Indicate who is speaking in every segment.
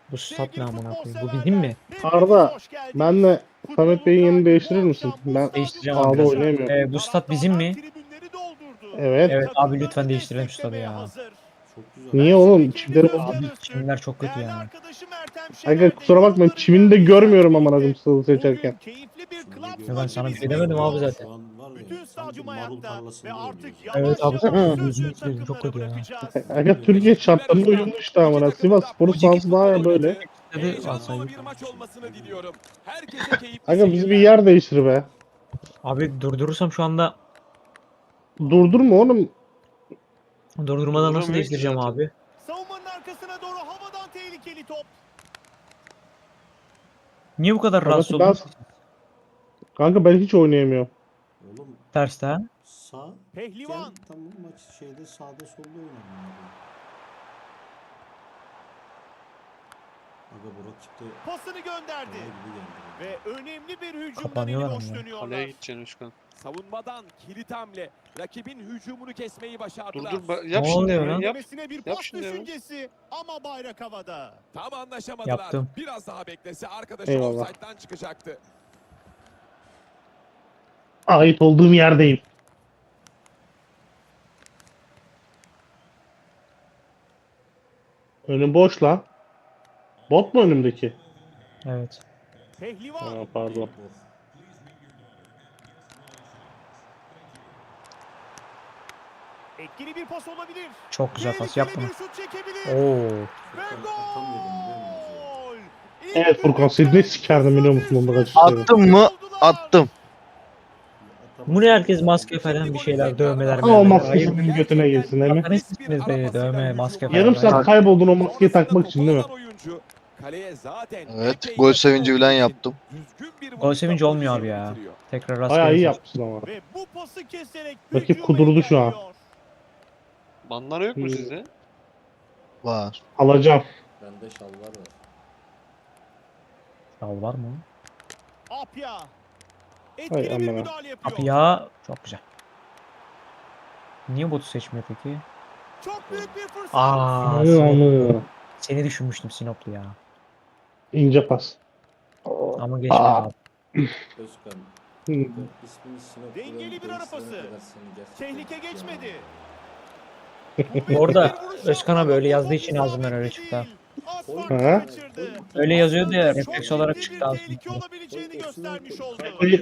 Speaker 1: Bu stat ne amına koyayım? Bu bizim mi?
Speaker 2: Arda, benle Samet Bey'in yerini değiştirir misin? Ben
Speaker 1: Değiştireceğim abi
Speaker 2: sağda
Speaker 1: biraz.
Speaker 2: oynayamıyorum.
Speaker 1: Bu stat bizim mi?
Speaker 2: Evet.
Speaker 1: Evet abi lütfen değiştirelim şu stadı ya.
Speaker 3: Çok güzel.
Speaker 2: Niye oğlum? Çimleri bozuk.
Speaker 1: Abi çimler çok kötü ya.
Speaker 2: Aga kusura bakma, çimini de görmüyorum amına koyayım stadı seçerken.
Speaker 1: Ya ben sana bir şey demedim abi zaten.
Speaker 3: Şu an var ya
Speaker 4: Bütün
Speaker 3: sanki
Speaker 4: stadyum
Speaker 3: marul
Speaker 4: ayakta
Speaker 3: tarlasında
Speaker 4: ve
Speaker 3: oynuyoruz
Speaker 4: artık
Speaker 3: ya.
Speaker 1: Evet abi
Speaker 2: Hı.
Speaker 1: gözünü seveyim çok kötü ya.
Speaker 2: Aga Türkiye şartlarına uyumlu işte amına. Sivas Spor sahası daha ya böyle.
Speaker 1: Stadı
Speaker 5: Heyecanlı
Speaker 1: alsaydık.
Speaker 5: bir maç olmasını diliyorum. Herkese keyifli
Speaker 2: Aga bizi bir
Speaker 5: seyirler.
Speaker 2: yer değiştir be.
Speaker 1: Abi durdurursam şu anda
Speaker 2: Durdurma oğlum.
Speaker 1: durdurmadan nasıl
Speaker 6: Durduramıyor ki
Speaker 1: değiştireceğim
Speaker 6: zaten.
Speaker 1: abi?
Speaker 4: Savunmanın arkasına doğru havadan tehlikeli top.
Speaker 1: Niye bu kadar rahatsız
Speaker 2: Kanka ben,
Speaker 1: oldun?
Speaker 2: kanka ben hiç oynayamıyorum.
Speaker 3: Oğlum
Speaker 1: Terste ha?
Speaker 3: sağ
Speaker 4: Pehlivan.
Speaker 3: gel tamam maç şeyde sağda solda oynayalım.
Speaker 4: Pasını
Speaker 3: Aga bu rakipte
Speaker 4: gönderdi.
Speaker 3: kolay gibi geldi.
Speaker 4: Ve önemli bir hücumdan
Speaker 1: Kapanıyorlar
Speaker 4: eli boş
Speaker 1: ama ya.
Speaker 6: Kaleye
Speaker 4: dönüyorlar.
Speaker 6: gideceksin Özkan.
Speaker 5: Savunmadan kilit hamle. Rakibin hücumunu kesmeyi başardılar.
Speaker 6: Dur yap
Speaker 1: Ne
Speaker 6: şimdi
Speaker 1: oluyor
Speaker 6: hemen
Speaker 1: lan?
Speaker 6: yap.
Speaker 4: Demesine bir
Speaker 6: Yap
Speaker 4: pas
Speaker 6: şimdi hemen.
Speaker 4: düşüncesi ama bayrak havada.
Speaker 5: Tam anlaşamadılar.
Speaker 1: Yaptım.
Speaker 5: Biraz daha beklese arkadaşı
Speaker 2: Eyvallah.
Speaker 5: offside'dan çıkacaktı.
Speaker 2: Ait olduğum yerdeyim. Önüm boş lan. Bot mu önümdeki?
Speaker 1: Evet.
Speaker 4: Pehlivan.
Speaker 2: Ha, pardon.
Speaker 4: Etkili bir pas olabilir.
Speaker 1: Çok güzel pas
Speaker 4: Tehlikeli
Speaker 1: yaptım.
Speaker 4: bir şut çekebilir.
Speaker 1: Oo.
Speaker 4: Ve
Speaker 3: Furkan atamıyordum biliyor musun?
Speaker 4: gol.
Speaker 2: Evet Furkan, seni ne sikerdim biliyor musun onda kaç
Speaker 7: Attım mı? Attım.
Speaker 1: Bu ne herkes maske falan bir şeyler dövmeler.
Speaker 2: Ama o
Speaker 1: mövmeler.
Speaker 2: maske
Speaker 1: Hayır.
Speaker 2: senin götüne girsin değil mi?
Speaker 1: Bakın sizsiniz be dövme maske falan.
Speaker 2: Yarım
Speaker 1: Hayır.
Speaker 2: saat kayboldun o maskeyi takmak için değil mi?
Speaker 5: Oyuncu, kaleye zaten
Speaker 7: Evet,
Speaker 5: epey
Speaker 7: gol
Speaker 5: yakın
Speaker 7: sevinci
Speaker 5: olduğu
Speaker 7: falan
Speaker 5: için
Speaker 7: yaptım.
Speaker 5: düzgün bir
Speaker 1: Gol
Speaker 5: vuruşla
Speaker 1: sevinci olmuyor abi
Speaker 5: pozisyonu
Speaker 1: ya.
Speaker 5: bitiriyor.
Speaker 1: Tekrar
Speaker 2: Bayağı
Speaker 1: rastgele
Speaker 2: iyi
Speaker 1: seç.
Speaker 2: yapmışsın ama.
Speaker 4: Ve bu pası keserek
Speaker 2: Rakip
Speaker 4: hücuma
Speaker 2: kudurdu şu an.
Speaker 4: engelliyor.
Speaker 6: Banlar yok mu
Speaker 2: Hmm.
Speaker 6: sizde?
Speaker 7: Var.
Speaker 2: Alacağım.
Speaker 3: Bende şalvar var.
Speaker 1: Al var mı?
Speaker 4: Apya.
Speaker 2: Hay
Speaker 4: Etkili bir
Speaker 2: amına.
Speaker 4: müdahale yapıyor.
Speaker 1: Abi ya çok güzel. Niye botu seçmiyor peki?
Speaker 4: Çok büyük bir fırsat.
Speaker 1: Aa,
Speaker 2: Anlıyorum.
Speaker 1: seni düşünmüştüm Sinoplu ya.
Speaker 2: İnce pas.
Speaker 1: Ama geçmedi
Speaker 2: Aa.
Speaker 1: abi.
Speaker 3: Özkan.
Speaker 2: Hı.
Speaker 3: İsmini Sinop
Speaker 4: Dengeli bir ara pası. Tehlike geçmedi.
Speaker 1: Orada
Speaker 4: Bir vuruş
Speaker 1: Özkan
Speaker 4: yaptı
Speaker 1: abi öyle
Speaker 4: ama
Speaker 1: yazdığı
Speaker 4: top
Speaker 1: için ağzımdan öyle
Speaker 4: isabetli
Speaker 1: çıktı. ha.
Speaker 4: değil. Az
Speaker 3: Koy.
Speaker 4: farkı
Speaker 2: Ha?
Speaker 4: kaçırdı.
Speaker 1: Öyle yazıyordu ya,
Speaker 4: Aslında
Speaker 1: refleks
Speaker 4: çok
Speaker 1: olarak
Speaker 4: ciddi
Speaker 1: çıktı
Speaker 4: bir
Speaker 1: ağzımdan.
Speaker 4: tehlike olabileceğini göstermiş oldu.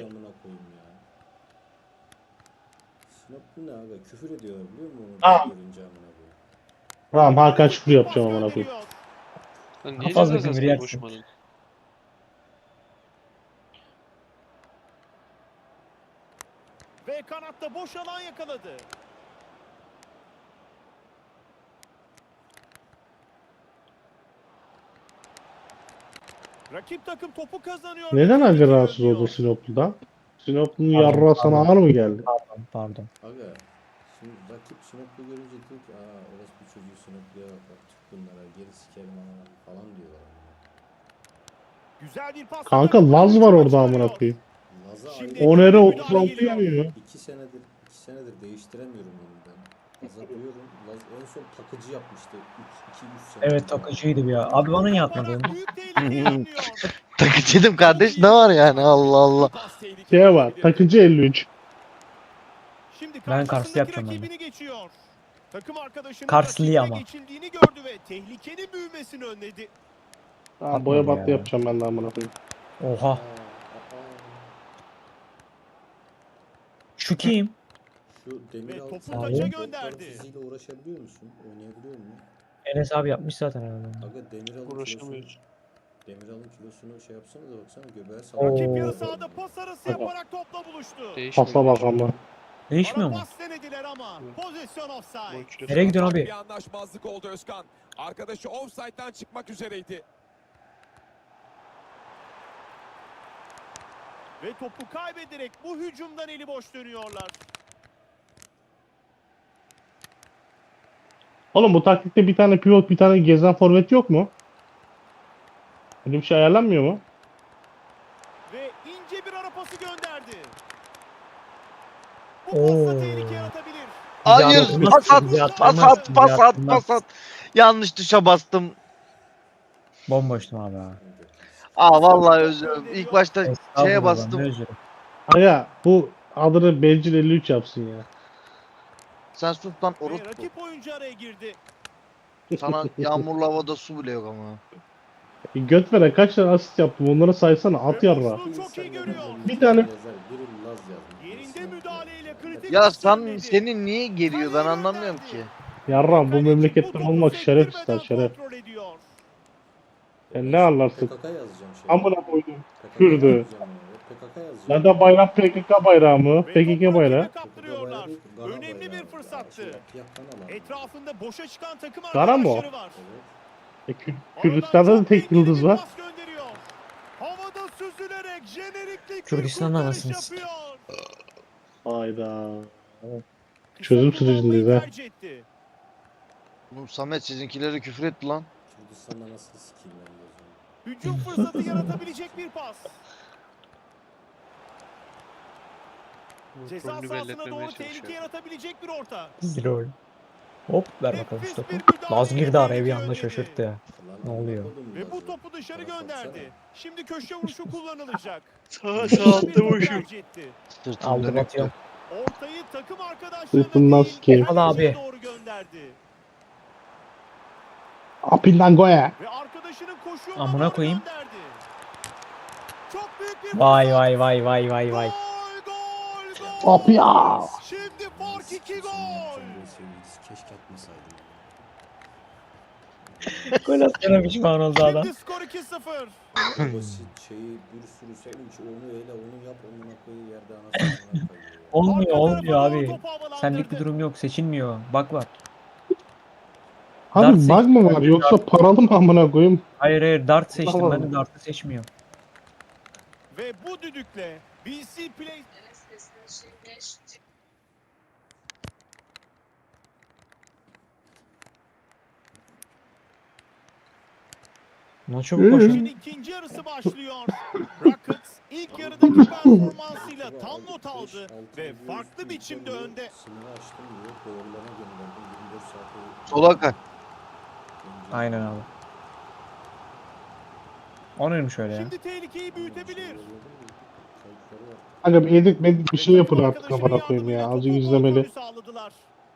Speaker 3: Sinoplu ne aga? Küfür ediyor biliyor musun onu
Speaker 2: Aa.
Speaker 3: görünce amına koyayım.
Speaker 2: Tamam Hakan Şükür
Speaker 4: Pas
Speaker 2: yapacağım amına koyayım.
Speaker 4: gönderiyor.
Speaker 6: Lan niye
Speaker 1: fazla
Speaker 6: ceza
Speaker 1: küfür
Speaker 6: sahasına
Speaker 1: yersin.
Speaker 6: koşmadın?
Speaker 4: Ve kanatta boş alan yakaladı. Rakip takım topu kazanıyor.
Speaker 2: Neden
Speaker 4: ve
Speaker 2: aga
Speaker 4: tehlike
Speaker 2: rahatsız
Speaker 4: önlüyor.
Speaker 2: oldu Sinoplu'dan? Sinoplu'nun
Speaker 1: Pardon,
Speaker 2: yarrağı sana
Speaker 1: pardon.
Speaker 2: ağır mı geldi?
Speaker 1: Pardon.
Speaker 3: Aga şimdi rakip Sinoplu görünce diyor ki aa orası bir çocuğu Sinoplu'ya bak Türk bunlara geri sikerim ama falan diyorlar.
Speaker 4: Güzel bir pas.
Speaker 2: Kanka Laz var orada amına koyayım.
Speaker 3: Laz'a
Speaker 4: Şimdi-
Speaker 3: ayrı-
Speaker 2: Onere
Speaker 4: Müdahale
Speaker 2: 36
Speaker 4: geliyor.
Speaker 2: yanıyor.
Speaker 3: 2 senedir değiştiremiyorum onu ben. Laz'a diyorum. Laz en son takıcı yapmıştı 2-3 sene.
Speaker 1: Evet takıcıydı ya. Abi bana niye atmadın?
Speaker 4: Büyük tehlikeyi önlüyor.
Speaker 7: Takıcıydım kardeş, ne var yani, Allah Allah.
Speaker 5: Pas tehlikeli
Speaker 2: Şey var,
Speaker 5: olabilirdi.
Speaker 2: takıcı 53.
Speaker 4: Şimdi
Speaker 1: Ben
Speaker 4: karşısındaki
Speaker 1: Karslı yapacağım ben de.
Speaker 4: rakibini geçiyor. Takım arkadaşının
Speaker 1: Karslı'yı
Speaker 4: rakibine
Speaker 1: ama.
Speaker 4: geçildiğini gördü ve tehlikenin büyümesini önledi.
Speaker 2: Tamam boya
Speaker 1: Atmadı
Speaker 2: battı
Speaker 1: ya.
Speaker 2: yapacağım ben de amına koyayım.
Speaker 1: Oha. Şu kim?
Speaker 3: Şu demir
Speaker 4: Ve
Speaker 3: al-
Speaker 4: topu
Speaker 3: sen
Speaker 1: taça
Speaker 3: doktor
Speaker 4: gönderdi.
Speaker 3: fiziğiyle uğraşabiliyor musun? Oynayabiliyor musun?
Speaker 1: Enes abi yapmış zaten herhalde.
Speaker 3: Aga Demiral'ın kilosunu,
Speaker 6: Uğraşamıyoruz.
Speaker 3: Demiral'ın kilosunu şey yapsana da baksana göbeğe
Speaker 1: Oo.
Speaker 3: sallıyor.
Speaker 4: Rakip yarı sahada pas arası
Speaker 2: Tamam.
Speaker 4: yaparak topla buluştu.
Speaker 6: Değişmiyor.
Speaker 2: Pasa bak ama.
Speaker 1: Değişmiyor
Speaker 4: Ara
Speaker 1: mu?
Speaker 4: pas denediler ama pozisyon
Speaker 6: Gol
Speaker 4: offside.
Speaker 6: kilosu.
Speaker 1: Nereye gidiyorsun
Speaker 5: Ufak
Speaker 1: abi?
Speaker 5: Bir anlaşmazlık oldu Özkan. Arkadaşı offside'dan çıkmak üzereydi.
Speaker 4: Ve topu kaybederek bu hücumdan eli boş dönüyorlar.
Speaker 2: Oğlum bu taktikte bir tane pivot bir tane gezen forvet yok mu? Öyle bir şey ayarlanmıyor mu?
Speaker 4: Ve ince bir ara pası gönderdi. Bu
Speaker 1: Oo.
Speaker 4: pasta tehlike yaratabilir.
Speaker 7: Hayır,
Speaker 1: atılmaz,
Speaker 7: pas at,
Speaker 1: bize
Speaker 7: pas
Speaker 1: atılmaz,
Speaker 7: at,
Speaker 1: bize
Speaker 7: pas at,
Speaker 1: atılmaz.
Speaker 7: pas at. Yanlış tuşa bastım.
Speaker 1: Bomboştum abi ha.
Speaker 7: Aa vallahi özür dilerim. İlk başta şeye
Speaker 1: Estağfurullah,
Speaker 7: bastım.
Speaker 1: ne özürü.
Speaker 2: Aga bu adını Bencil 53 yapsın ya.
Speaker 7: Sen sus lan
Speaker 4: Ve
Speaker 7: orospu.
Speaker 4: rakip oyuncu araya girdi.
Speaker 7: Sana yağmurlu havada su bile yok ama.
Speaker 2: Göt veren kaç tane asist yaptım onları saysana at
Speaker 4: Ve
Speaker 2: yarra.
Speaker 4: boşluğu çok iyi görüyor.
Speaker 2: Bir tane-
Speaker 3: Yazar, biri Laz yazmış.
Speaker 4: Yerinde müdahaleyle kritik
Speaker 7: Ya sen
Speaker 4: üstlenmedi.
Speaker 7: senin niye geliyor ben anlamıyorum ki.
Speaker 2: Yarram bu
Speaker 4: Kaleci
Speaker 2: memleketten
Speaker 4: topu
Speaker 2: olmak şeref
Speaker 4: sektirmeden
Speaker 2: ister şeref.
Speaker 4: kontrol ediyor.
Speaker 2: Sen ne anlarsın?
Speaker 3: PKK yazacağım şey.
Speaker 2: Amına koydum.
Speaker 3: PKK
Speaker 2: Kürdü.
Speaker 3: yazacağım ya. PKK yazacağım.
Speaker 2: Lan da bayram PKK bayrağı mı?
Speaker 4: Ve
Speaker 2: PKK
Speaker 4: topu
Speaker 2: bayrağı.
Speaker 4: rakibe kaptırıyorlar. Önemli bir fırsattı. Etrafında boşa çıkan takım
Speaker 2: Gara mı o?
Speaker 4: arkadaşları var.
Speaker 2: Kürdistan'da da tek yıldız var.
Speaker 4: Havada süzülerek jenerikli
Speaker 1: Kürdistan'da
Speaker 4: kurtarış
Speaker 1: anasını
Speaker 4: yapıyor.
Speaker 2: Hayda.
Speaker 4: Kısa
Speaker 2: Çözüm
Speaker 4: kullanmayı
Speaker 2: sürecindeyiz ha.
Speaker 4: tercih etti.
Speaker 7: Oğlum Samet sizinkileri küfür etti lan.
Speaker 3: Kürdistan'da nasıl skill'ler yazıyor?
Speaker 4: Hücum fırsatı yaratabilecek bir pas. Ceza
Speaker 6: Rolünü
Speaker 4: sahasına
Speaker 6: belletmemeye
Speaker 4: doğru tehlike
Speaker 6: çalışıyor.
Speaker 4: yaratabilecek bir orta.
Speaker 1: Zilol. Hop ver bakalım şu
Speaker 4: Nefis
Speaker 1: topu.
Speaker 4: bir müdahale
Speaker 1: Laz girdi araya bir
Speaker 4: tehlike
Speaker 1: anda
Speaker 4: önledi.
Speaker 1: şaşırttı ya.
Speaker 3: Lan
Speaker 1: Ne
Speaker 3: amına
Speaker 1: oluyor?
Speaker 3: koydum
Speaker 4: Ve bu
Speaker 3: Laz'ı.
Speaker 4: topu dışarı
Speaker 3: Bana
Speaker 4: gönderdi.
Speaker 3: baksana.
Speaker 4: Şimdi köşe vuruşu kullanılacak.
Speaker 6: Sağ
Speaker 4: Kısa
Speaker 6: sağ
Speaker 4: bir top
Speaker 6: boşum.
Speaker 4: tercih etti.
Speaker 7: Sırtım
Speaker 1: Aldım
Speaker 7: dönüktü.
Speaker 1: atıyorum.
Speaker 4: Ortayı takım arkadaşlarına
Speaker 2: Sırtından
Speaker 4: değil,
Speaker 2: sikeyim.
Speaker 1: Al
Speaker 4: kaleciye
Speaker 1: abi.
Speaker 4: doğru gönderdi.
Speaker 2: Apindan goya.
Speaker 4: Ve arkadaşının koşu yoluna
Speaker 1: Amına
Speaker 4: doğru
Speaker 1: koyayım.
Speaker 4: gönderdi. Çok büyük bir
Speaker 1: Vay
Speaker 4: fırsat.
Speaker 1: vay vay vay vay vay.
Speaker 4: Gol, gol,
Speaker 2: Hop ya.
Speaker 4: gol. Şimdi fark 2 gol.
Speaker 3: Keşke atmasaydım.
Speaker 1: Gol attığına pişman oldu adam.
Speaker 4: Şimdi skor 2-0.
Speaker 3: Basit şeyi bir sürü sevinç onu öyle onu yap onu koy yerde anasını koyuyor.
Speaker 1: Olmuyor
Speaker 4: Arka
Speaker 1: olmuyor
Speaker 4: tarafa doğru
Speaker 1: abi.
Speaker 4: topu havalandırdı.
Speaker 1: Senlik bir durum yok, seçilmiyor. Bak var.
Speaker 2: Abi
Speaker 1: Dart
Speaker 2: bug mı var yoksa paralı mı amına koyayım?
Speaker 1: Hayır dart seçtim,
Speaker 2: Tamam.
Speaker 1: ben de dartı seçmiyorum.
Speaker 4: Ve bu düdükle BC Play
Speaker 1: Ne çabuk koşun.
Speaker 4: maçın ikinci yarısı başlıyor. Rockets ilk yarıdaki performansıyla tam not aldı ve farklı biçimde önde.
Speaker 3: Sınırı açtım diyor doğrularına gönderdim 24 saate.
Speaker 7: Sola kay.
Speaker 1: Aynen abi. Onu şöyle ya.
Speaker 4: Şimdi tehlikeyi büyütebilir.
Speaker 2: Aga bir edit medit bir şey yapın
Speaker 4: Takım
Speaker 2: artık
Speaker 4: arkadaşının
Speaker 2: amına koyayım ya.
Speaker 4: yardımıyla
Speaker 2: Azıcık
Speaker 4: topu
Speaker 2: izlemeli.
Speaker 4: kontrolü sağladılar.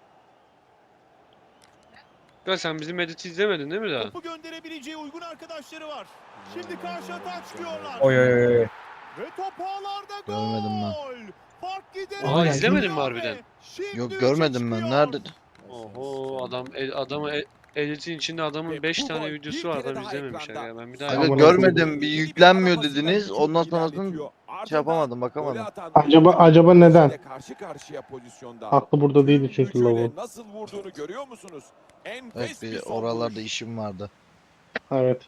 Speaker 6: Ya sen bizim editi izlemedin değil mi daha?
Speaker 4: Topu gönderebileceği uygun arkadaşları var. Şimdi karşı atağa çıkıyorlar.
Speaker 1: Oy oy oy.
Speaker 4: Ve top ağlarda gol.
Speaker 7: Görmedim ben.
Speaker 4: Fark giderek
Speaker 1: Aa,
Speaker 6: izlemedin mi
Speaker 4: büyüyor
Speaker 6: harbiden?
Speaker 4: ve şimdi
Speaker 7: Yok
Speaker 4: üçe
Speaker 7: görmedim ben.
Speaker 4: çıkıyor.
Speaker 7: Nerede?
Speaker 6: Oho adamı editin içinde adamın
Speaker 5: Ve
Speaker 6: 5
Speaker 5: bu
Speaker 6: tane
Speaker 5: gol
Speaker 6: videosu
Speaker 5: bir
Speaker 6: var
Speaker 5: kere
Speaker 6: adam
Speaker 5: daha
Speaker 6: izlememiş
Speaker 5: ekranda.
Speaker 6: ya. Ben bir daha
Speaker 7: Evet
Speaker 2: Aman
Speaker 7: görmedim. Bir yüklenmiyor dediniz. Ondan sonrasını yapamadım bakamadım.
Speaker 2: Acaba neden?
Speaker 5: Karşı karşıya pozisyonda.
Speaker 2: Aklı burada değildi çünkü
Speaker 5: Gücüyle
Speaker 2: lavabo.
Speaker 5: nasıl vurduğunu görüyor musunuz? Enfes
Speaker 7: Evet bir
Speaker 5: son
Speaker 7: oralarda
Speaker 5: vuruş.
Speaker 7: işim vardı.
Speaker 2: Evet.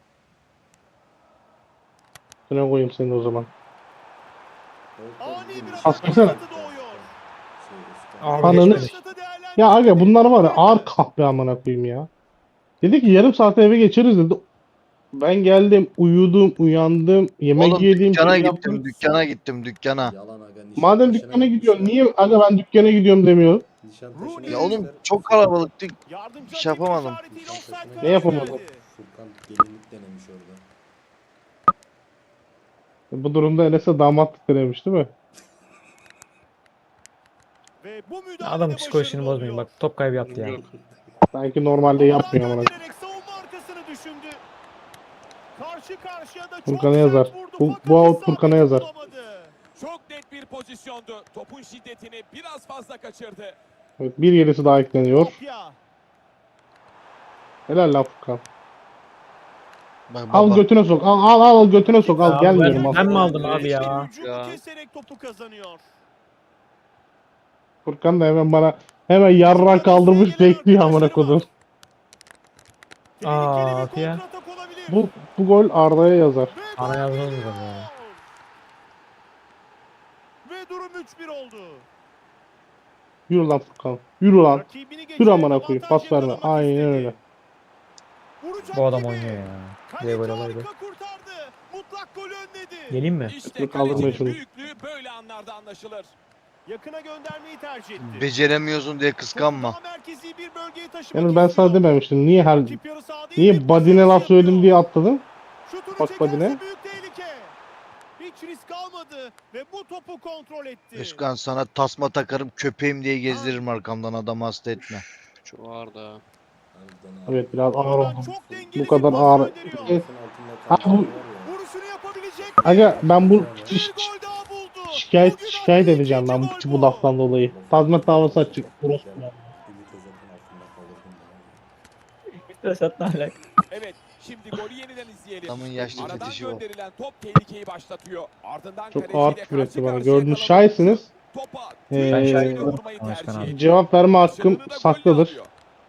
Speaker 2: Şuna koyayım seni o zaman.
Speaker 4: Ani bir atak
Speaker 2: Aslında-
Speaker 4: fırsatı doğuyor.
Speaker 1: Abi
Speaker 2: Ananı
Speaker 1: geçmedi.
Speaker 4: Fırsatı değerlendirdi.
Speaker 2: Ya aga bunlar var ya ağır kahpe amına koyayım ya. Dedi ki yarım saat eve geçeriz dedi. Ben geldim, uyudum, uyandım, yemek
Speaker 7: Oğlum
Speaker 2: yedim,
Speaker 7: dükkana
Speaker 2: şey
Speaker 7: gittim,
Speaker 2: yaptım.
Speaker 7: dükkana gittim, dükkana.
Speaker 3: Yalan aga.
Speaker 2: Madem dükkana gidiyorsun niye aga ben dükkana gidiyorum demiyor?
Speaker 7: Ya oğlum çok kalabalıktık.
Speaker 4: Yardımcı
Speaker 7: Bir şey
Speaker 4: hakemin
Speaker 7: yapamadım.
Speaker 4: işaretiyle offside
Speaker 3: Ne
Speaker 4: kararı
Speaker 2: yapamadın?
Speaker 4: geldi.
Speaker 3: Furkan gelinlik denemiş orada.
Speaker 2: Bu durumda Enes'e damatlık denemiş değil mi?
Speaker 4: Ve bu müdahalede
Speaker 1: Adamın psikolojisini
Speaker 4: başarılı
Speaker 1: bozmayın,
Speaker 4: oluyor.
Speaker 1: bak top kaybı yaptı ya.
Speaker 6: Yok.
Speaker 2: Sanki normalde yapmıyor amına.
Speaker 4: Göndererek savunma arkasını düşündü. Karşı karşıya da çok
Speaker 2: Furkan'a
Speaker 4: sert
Speaker 2: yazar.
Speaker 4: vurdu
Speaker 2: Bu
Speaker 4: fakat
Speaker 2: out
Speaker 4: isabeti
Speaker 2: Furkan'a yazar.
Speaker 4: bulamadı.
Speaker 5: Çok net bir pozisyondu. Topun şiddetini biraz fazla kaçırdı.
Speaker 2: Evet, bir gerisi daha ekleniyor.
Speaker 4: Kopya.
Speaker 2: Helal lan Furkan.
Speaker 7: Bak
Speaker 2: Al
Speaker 7: baba.
Speaker 2: götüne sok. Al götüne sok. Al
Speaker 1: Ya
Speaker 2: gelmiyorum
Speaker 1: ben
Speaker 2: al.
Speaker 1: mi aldım abi
Speaker 4: Bir
Speaker 1: ya?
Speaker 4: hücumu
Speaker 6: Ya.
Speaker 4: keserek topu kazanıyor.
Speaker 2: Furkan da hemen bana hemen yarrak kaldırmış bekliyor amına kodum.
Speaker 4: Tehlikeli bir
Speaker 1: ya.
Speaker 4: kontratak olabilir.
Speaker 2: Bu gol Arda'ya yazar.
Speaker 4: Ve
Speaker 1: Ana
Speaker 4: gol
Speaker 1: yazmaz
Speaker 4: geliyor.
Speaker 1: mı ya?
Speaker 4: Ve durum 3-1 oldu.
Speaker 2: Yürü lan Furkan. Yürü lan.
Speaker 4: Rakibini
Speaker 2: Yürü
Speaker 4: geçerek
Speaker 2: amına koyayım.
Speaker 4: avantaj
Speaker 2: Pas verme.
Speaker 4: yakalamak
Speaker 2: Aynen
Speaker 4: istedi.
Speaker 2: öyle.
Speaker 4: Vuracak
Speaker 1: Bu adam
Speaker 4: gibi.
Speaker 1: oynuyor ya.
Speaker 4: Kaleci
Speaker 1: Diye böyle olaydı.
Speaker 4: harika kurtardı. Mutlak golü önledi.
Speaker 1: Geleyim mi?
Speaker 5: İşte
Speaker 2: Dur, kaldırmayın
Speaker 5: kalecinin
Speaker 2: şunu.
Speaker 5: büyüklüğü böyle anlarda anlaşılır.
Speaker 4: Yakına göndermeyi tercih etti.
Speaker 7: Beceremiyorsun diye kıskanma.
Speaker 4: Topu daha merkezi bir bölgeye taşımak
Speaker 2: Yani ben sana
Speaker 4: istiyor.
Speaker 2: dememiştim. Rakip
Speaker 4: yarı sahada iyi bir
Speaker 2: niye body'ne
Speaker 4: pasaj
Speaker 2: laf söyledim
Speaker 4: yapıyor.
Speaker 2: diye atladın.
Speaker 4: Şutunu
Speaker 2: Bak
Speaker 4: çekerse
Speaker 2: body'ne.
Speaker 4: büyük tehlike. Hiç risk almadı ve bu topu kontrol etti.
Speaker 7: Özkan sana tasma takarım köpeğim diye gezdiririm arkamdan, adamı hasta etme.
Speaker 6: Çok ağır da.
Speaker 3: Harbiden abi.
Speaker 2: Evet biraz ağır
Speaker 4: Oradan
Speaker 2: oldum.
Speaker 4: çok dengeli
Speaker 2: Bu kadar
Speaker 4: bir pas
Speaker 2: ağır.
Speaker 4: gönderiyor.
Speaker 2: Evet.
Speaker 3: Altın altında
Speaker 2: Abi bu-
Speaker 3: kalkan var ya.
Speaker 4: Vuruşunu yapabilecek mi?
Speaker 2: Aga ben bu
Speaker 4: Bir gol daha buldu.
Speaker 2: şikayet
Speaker 4: Bugün attığı
Speaker 2: edeceğim ben
Speaker 4: ikinci
Speaker 2: bu
Speaker 4: gol
Speaker 2: laftan dolayı. Tazminat davası açık. Orospu ya.
Speaker 3: Ümit Özat'ın altında kalırdım ben.
Speaker 1: Vesat'la alakalı.
Speaker 5: Evet, şimdi golü yeniden izleyelim.
Speaker 7: Adamın yaşlı
Speaker 5: Aradan
Speaker 7: fetişi o.
Speaker 5: gönderilen top tehlikeyi başlatıyor. Ardından
Speaker 2: Çok
Speaker 5: kaleciyle
Speaker 2: ağır küfür etti
Speaker 5: karşı
Speaker 2: bana.
Speaker 5: karşıya
Speaker 2: Gördüğünüz
Speaker 5: kalan
Speaker 2: şahitsiniz.
Speaker 5: topa
Speaker 2: Ee,
Speaker 5: tüm
Speaker 2: Ben
Speaker 5: gücüyle
Speaker 1: şahit
Speaker 5: vurmayı
Speaker 1: oldum, Başkan
Speaker 5: tercih
Speaker 1: abi.
Speaker 5: etti.
Speaker 2: Cevap verme hakkım
Speaker 5: Başarını da golle
Speaker 2: saklıdır.
Speaker 5: alıyor.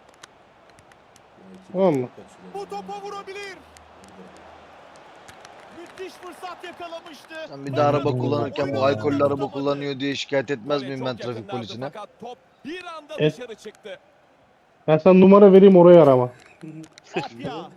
Speaker 2: Tamam mı?
Speaker 4: Bu topa vurabilir. Müthiş fırsat yakalamıştı.
Speaker 7: Sen bir de araba
Speaker 1: Oyunu
Speaker 7: kullanırken bu
Speaker 1: tutamadı.
Speaker 7: alkollü araba kullanıyor diye şikayet etmez
Speaker 5: Gole
Speaker 7: miyim
Speaker 5: çok
Speaker 7: ben trafik
Speaker 5: yakınlardı
Speaker 7: polisine?
Speaker 5: fakat top bir anda
Speaker 2: Evet.
Speaker 5: dışarı çıktı.
Speaker 2: Ben sana numara vereyim oraya arama.
Speaker 4: Atya.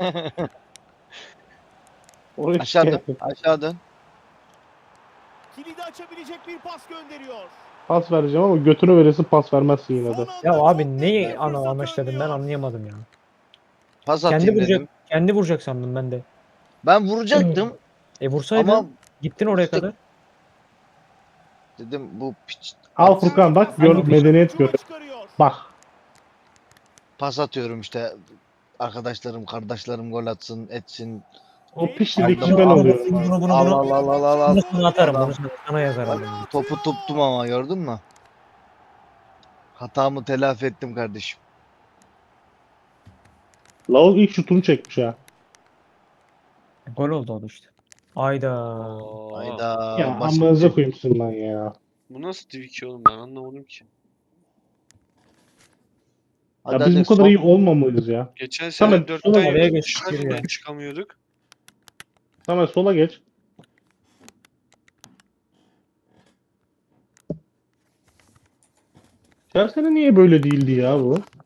Speaker 2: Oraya
Speaker 7: Aşağı dön,
Speaker 2: şikayet et.
Speaker 7: aşağı dön.
Speaker 4: Kilidi açabilecek bir pas gönderiyor.
Speaker 2: Pas vereceğim ama götünü verirsin pas vermezsin yine de.
Speaker 4: Son anda
Speaker 1: Ya
Speaker 4: çok
Speaker 1: abi
Speaker 4: net
Speaker 1: neyi
Speaker 4: bir fırsat
Speaker 1: amaçladın ben
Speaker 4: önlüyor.
Speaker 1: anlayamadım ya.
Speaker 7: Pas
Speaker 1: Kendi
Speaker 7: atayım
Speaker 1: vuracak,
Speaker 7: dedim.
Speaker 1: kendi vuracak sandım ben de.
Speaker 7: Ben vuracaktım
Speaker 1: Vursaydın
Speaker 7: ama
Speaker 1: gittin oraya
Speaker 7: işte-
Speaker 1: kadar.
Speaker 7: dedim bu piç
Speaker 2: Al Furkan bak gör
Speaker 1: Hadi.
Speaker 2: medeniyet gör.
Speaker 4: Ucuna çıkarıyor.
Speaker 2: Bak.
Speaker 7: pas atıyorum işte, arkadaşlarım kardeşlerim gol atsın etsin.
Speaker 2: O pişlik kişi
Speaker 7: Aldım,
Speaker 2: ben
Speaker 7: aldım.
Speaker 2: oluyorum.
Speaker 1: Bunu,
Speaker 7: Al al al al al al.
Speaker 1: Bunu sana atarım.
Speaker 7: Adam-
Speaker 1: Bunu sana yazarım. ben.
Speaker 7: Topu tuttum ama gördün mü? Hatamı telafi ettim kardeşim.
Speaker 2: Lavuk ilk şutunu çekmiş ha.
Speaker 1: Gol oldu o da işte. Ayda.
Speaker 6: Oo.
Speaker 7: Hayda
Speaker 2: Ya
Speaker 7: basit.
Speaker 2: amınıza koyayım sizin lan ya.
Speaker 6: Bu nasıl Twitch oğlum, ben anlamadım ki.
Speaker 2: Ya
Speaker 7: Hadi
Speaker 2: biz
Speaker 7: hadi
Speaker 2: bu kadar
Speaker 7: son-
Speaker 2: iyi olmamayız ya.
Speaker 6: Geçen
Speaker 2: Tamam,
Speaker 6: sene 4'te
Speaker 2: sola
Speaker 1: oraya
Speaker 6: yiyorduk,
Speaker 1: geç,
Speaker 6: şu an
Speaker 1: yürü ya.
Speaker 6: çıkamıyorduk.
Speaker 2: Tamam sola geç. Her sene niye böyle değildi ya bu?